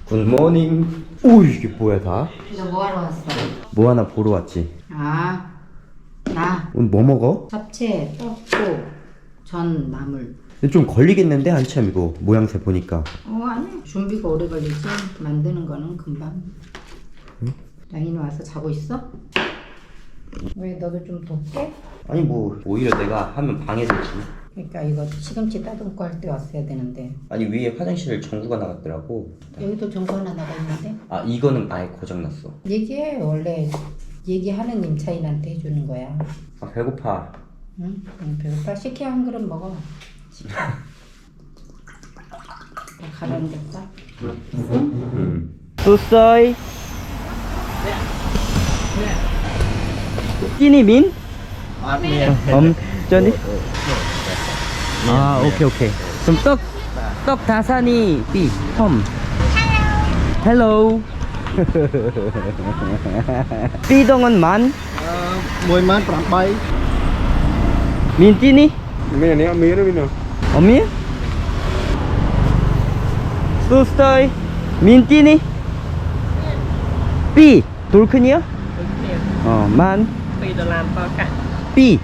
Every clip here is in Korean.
굿모닝. 오, 이게 뭐야 다? 너 뭐하러 왔어? 뭐 하나 보러 왔지. 나 오늘 뭐 먹어? 잡채, 떡국, 전, 나물. 근데 좀 걸리겠는데 한참 이거 모양새 보니까. 아니 준비가 오래 걸리지. 만드는 거는 금방. 응? 양이는 와서 자고 있어? 왜 너도 좀 돕게? 아니 뭐 오히려 내가 하면 방해되지. 그러니까 이거 시금치 따듬고 할 때 왔어야 되는데. 아니 위에 화장실 전구가 나갔더라고. 여기도 전구 하나 나가 있는데. 아 이거는 아예 고장났어. 얘기해. 원래 얘기하는 임차인한테 해주는 거야. 아 배고파. 응? 배고파. 식혜 한 그릇 먹어. 식혜. 가라앉았다. 소서이. 끼니 민? 저니? 아 오케이. 그럼 떡 다산이 B 홈. 헬로. B동은 만? Mười mát khoảng bay. 민 끼니? Mía này mía đó bên nào? 어미? 소서이. 민 끼니? B 돌큰이요? 만 B.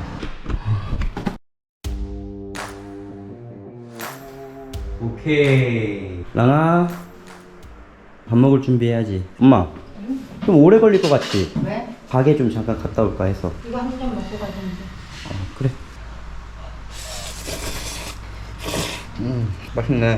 오케이. 랑아 밥 먹을 준비해야지. 엄마 좀 오래 걸릴 것 같지? 왜? 가게 좀 잠깐 갔다 올까 해서. 이거 한 잔 먹고 가자는데. 그래. 맛있네.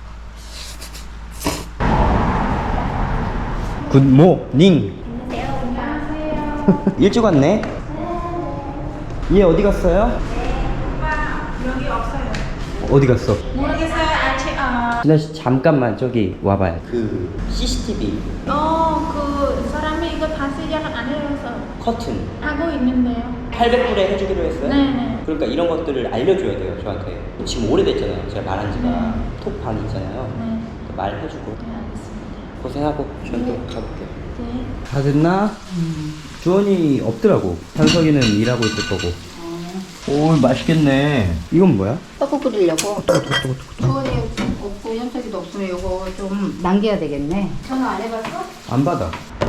굿모닝. 안녕하세요. 일찍 왔네. 얘 어디 갔어요? 여기 없어요. 어디 갔어? 모르겠어요. 아직 진아 씨 잠깐만 저기 와봐요. 그 CCTV 그 사람이 이거 다 시작을 안 해서 커튼 하고 있는데요. 800불에 해주기로 했어요? 네네. 그러니까 이런 것들을 알려줘야 돼요 저한테. 지금 오래됐잖아요 제가 말한 지가. 톡방 있잖아요. 네. 말해주고. 네, 알겠습니다. 고생하고 저는 또 가볼게요. 네. 다 됐나? 주원이 없더라고. 한석이는 일하고 있을 거고. 오 맛있겠네. 이건 뭐야? 떡국 끓이려고. 주원이 없고 현석이도 없으면 이거 좀 남겨야 되겠네. 전화 안 해봤어? 안 받아.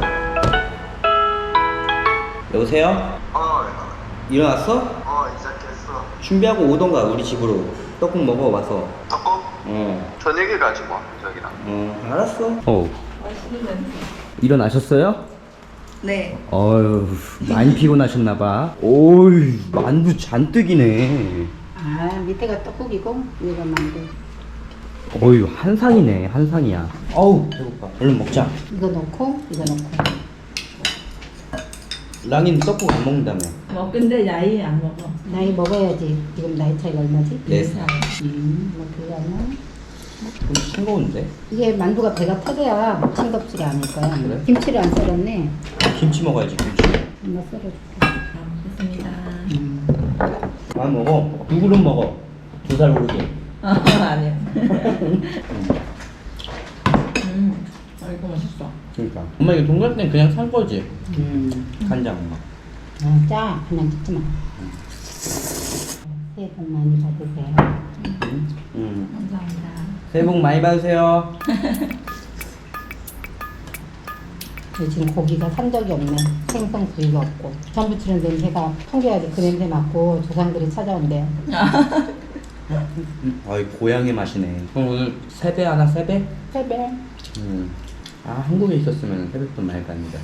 여보세요? 일어났어? 시작했어. 준비하고 오던가 우리 집으로. 떡국 먹어 와서. 떡국? 저녁에 가지 뭐, 저기랑. 알았어. 일어나셨어요? 네. 어휴 많이 피곤하셨나봐. 오이 만두 잔뜩이네. 아 밑에가 떡국이고 위가 만두. 어휴 한상이네 한상이야. 어우 배고파. 얼른 먹자. 이거 넣고 이거 넣고. 랑이는 떡국 안 먹는다며. 근데 야이 안 먹어. 나이 먹어야지. 지금 나이 차이가 얼마지? 4살. 뭐 그거는 좀 싱거운데? 이게 만두가 배가 터져야 싱겁지가 않을 거야. 그래? 김치를 안 썰었네. 김치 먹어야지 김치. 엄마 썰어줄게. 좋습니다. 안 먹어. 두 그릇 먹어. 2살 오르게. 아니야. 이거 맛있어. 그러니까. 엄마 이거 돈가스는 그냥 산 거지? 간장. 짜. 그냥 찍지 마. 새해 복 많이 받으세요. 감사합니다. 새해 복 많이 받으세요. 지금 고기가 산 적이 없네. 생선 구이가 없고. 전 부치는 냄새가 풍겨야지 그 냄새 맡고 조상들이 찾아온대요. 아이 고향의 맛이네. 그럼 오늘 세배 하나 세배? 세배. 아 한국에 있었으면 세뱃돈 많이 받는다.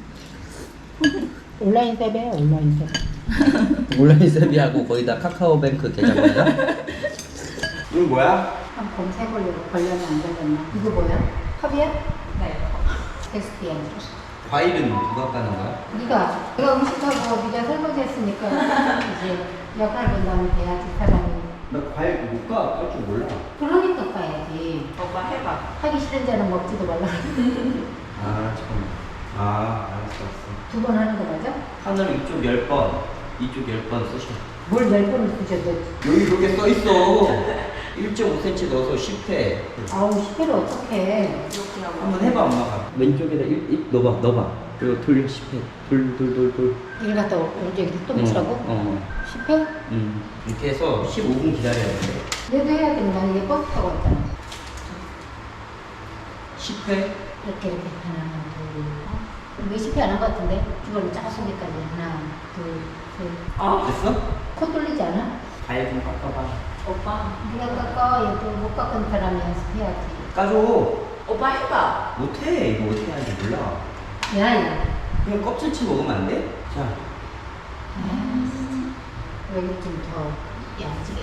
온라인 세배. 온라인 세배. 온라인 세비하고 거기다 카카오뱅크 계좌번호야? 이건 뭐야? 한 검색하려고 걸렸나 안 걸렸나. 이거 뭐야? 컵이야? 네. 테스트야. 과일은 누가 까는 거야? 네가 음식하고 네가 설거지 했으니까 이제 역할 분담이 돼야지 사람이. 나 과일 못 까. 깔 줄 몰라. 그러니까 까야지. 오빠 해봐. 하기 싫은 자는 먹지도 말라. 아 참. 아 알았어. 2번 하는 거 맞아? 하늘 이쪽 10번, 이쪽 10번 쓰셔. 뭘 10번을 쓰셔도. 여기 그렇게 써 있어. 1.5cm 넣어서 10회. 아우 10회를 어떡해. 한번 해봐 엄마가. 왼쪽에다 1 넣어봐. 그리고 돌려 10회. 돌. 일 갔다 오른쪽 이렇게 또 붙이라고? 10회? 이렇게 해서 15분 기다려야 돼. 얘도 해야 되는 거 아니야? 얘 버스 타고 왔잖아. 10회? 이렇게 하나, 둘, 왜 10회 안 한 것 같은데? 주머니 짜소기까지 하나, 둘, 셋. 됐어? 코 뚫리지 않아? 가위 좀 깎아봐. 오빠. 네가 깎아. 얘도 못 깎은 사람이 연습해야지. 까줘. 오빠 해봐. 못해. 이거 어떻게 하는지 몰라. 야. 그냥 껍질째 먹으면 안 돼? 자. 여기 좀 더 야지게.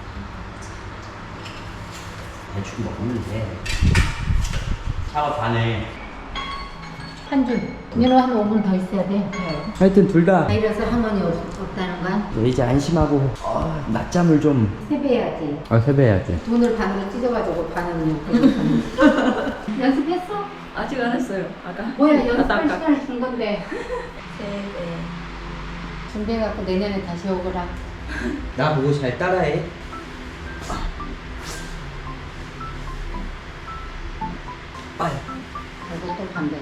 대충 먹으면 돼. 사과 반에. 한 줄. 얘는 한 5분 더 있어야 돼. 하여튼 둘 다 이래서 할머니 없다는 거야? 이제 안심하고 낮잠을 좀. 세배해야지. 세배해야지. 돈을 반으로 찢어가지고 반은 그냥 연습했어? 아직 안 했어요. 아까. 뭐야 연습할 아까. 시간을 준 건데. 네. 준비해갖고 내년에 다시 오거라. 나 보고 잘 따라해. 빨리. 그리고 또 반대.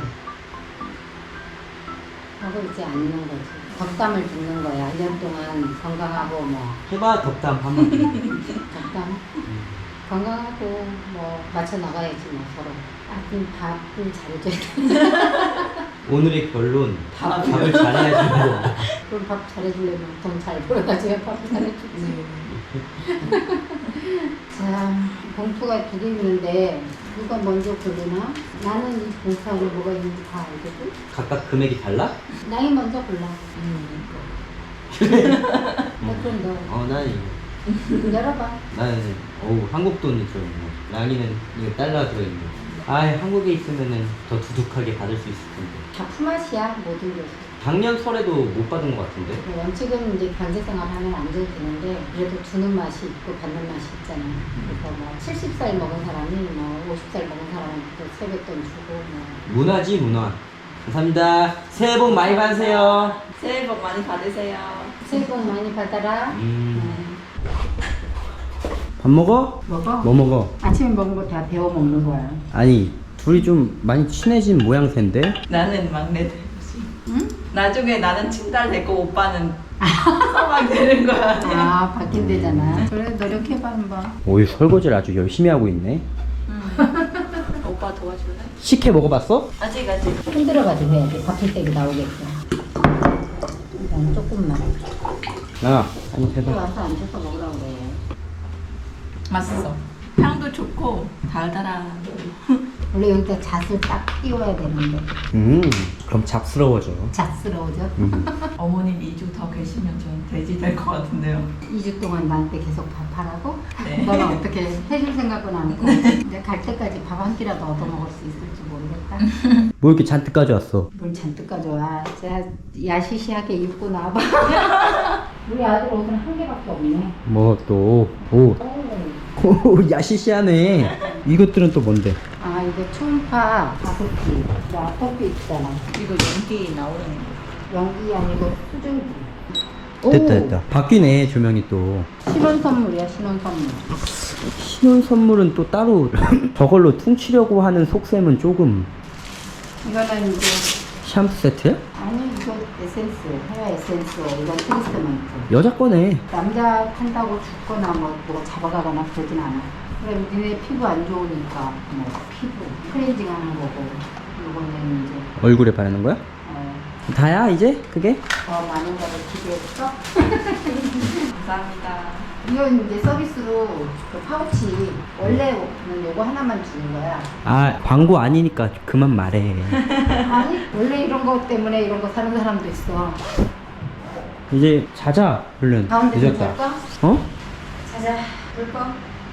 하고 있지 않는 거지. 덕담을 듣는 거야. 1년 동안 건강하고 뭐 해봐 덕담 한번. 덕담. 건강하고 뭐 맞춰 나가야지 뭐 서로. 하여튼 밥을 잘해줘야 돼. 오늘의 결론. 밥을 잘해야지 뭐. 그럼 밥 잘해주려면 돈 잘 벌어가지고 밥 잘해주지. 자, 봉투가 2개 있는데 누가 먼저 고르나? 나는 이 봉투 안에 뭐가 있는지 다 알거든? 각각 금액이 달라? 나이 먼저 골라. 나 그럼 너 난 이거. 열어봐. 나는 한국 돈이 좀. 랑이는 이거 달러 들어있는 거. 한국에 있으면은 더 두둑하게 받을 수 있을 텐데. 다 품앗이야 모든 게. 작년 설에도 못 받은 것 같은데. 원칙은 이제 경제생활 하면 안 줘도 되는데 그래도 주는 맛이 있고 받는 맛이 있잖아. 그래서 뭐 70살 먹은 사람이 뭐 50살 먹은 사람한테 세뱃돈 주고 뭐. 문화지 문화. 감사합니다. 새해 복 많이 받으세요. 새해 복 많이 받으세요. 새해 복 많이 받아라. 밥 먹어? 먹어? 뭐 먹어? 아침에 먹은 거 다 데워 먹는 거야. 아니 둘이 좀 많이 친해진 모양새인데? 나는 막내 되지. 응? 나중에 나는 친딸 되고 오빠는 서방 되는 거야. 아 바뀐대잖아. 그래 노력해봐 한번. 오이 설거지를 아주 열심히 하고 있네. 오빠 도와줄래? 식혜 먹어봤어? 아직. 흔들어가지고 해야지. 바뀔 때 나오게끔. 일단 조금만. 야 아니 또 대박. 와서 앉아서 먹으라고 그래. 맛있어. 향도 좋고 달달한. 원래 여기다 잣을 딱 띄워야 되는데 그럼 잡스러워져. 잣스러워져? 어머님 2주 더 계시면 전 돼지 될 것 같은데요. 2주 동안 나한테 계속 밥하라고? 네. 너가 어떻게 해줄 생각은 않고 이제 갈 때까지 밥 한 끼라도 얻어먹을 수 있을지 모르겠다. 뭐 이렇게 잔뜩 가져왔어? 뭘 잔뜩 가져와. 제가 야시시하게 입고 나와봐. 우리 아들 옷은 한 개밖에 없네. 뭐 또. 오 야시시하네. 이것들은 또 뭔데? 아 이거 초음파 가습기, 아토피 있잖아. 이거 연기 나오는 거. 연기 아니고 수증기. 됐다. 바뀌네 조명이 또. 신혼 선물이야 신혼 선물. 신혼 선물은 또 따로 저걸로 퉁치려고 하는 속셈은 조금. 이거는 이제 샴푸 세트야? 아니 이거 에센스, 헤어 에센스, 이건 트리트먼트. 여자 거네. 남자 한다고 죽거나 뭐 잡아가거나 그러진 않아. 그럼 니네 피부 안 좋으니까 뭐 피부 클렌징 하는 거고 이거는 이제 얼굴에 바르는 거야? 다야 이제 그게? 더 많은 거를 기대했어? 감사합니다. 이건 이제 서비스로 그 파우치 원래는 요거 하나만 주는 거야. 아 광고 아니니까 그만 말해. 아니 원래 이런 거 때문에 이런 거 사는 사람도 있어. 이제 자자 얼른. 가운데 좀 늦었다. 볼까? 어? 자자 볼 거.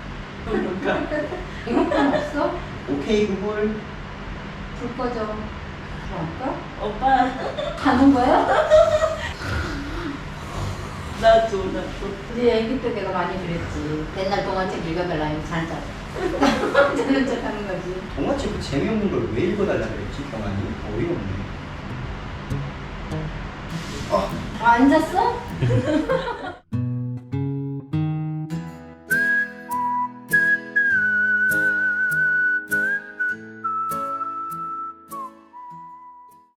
이거뿐 없어? 오케이 구글. 불 꺼져. 들어갈까? 오빠 가는 거야? 나도. 우리 애기 때 내가 많이 그랬지. 맨날 동화책 읽어달라 해서 잘 자. 자는 척 하는 거지. 동화책 재미없는 걸 왜 읽어달라 그랬지 병아니? 어이없네. 앉았어?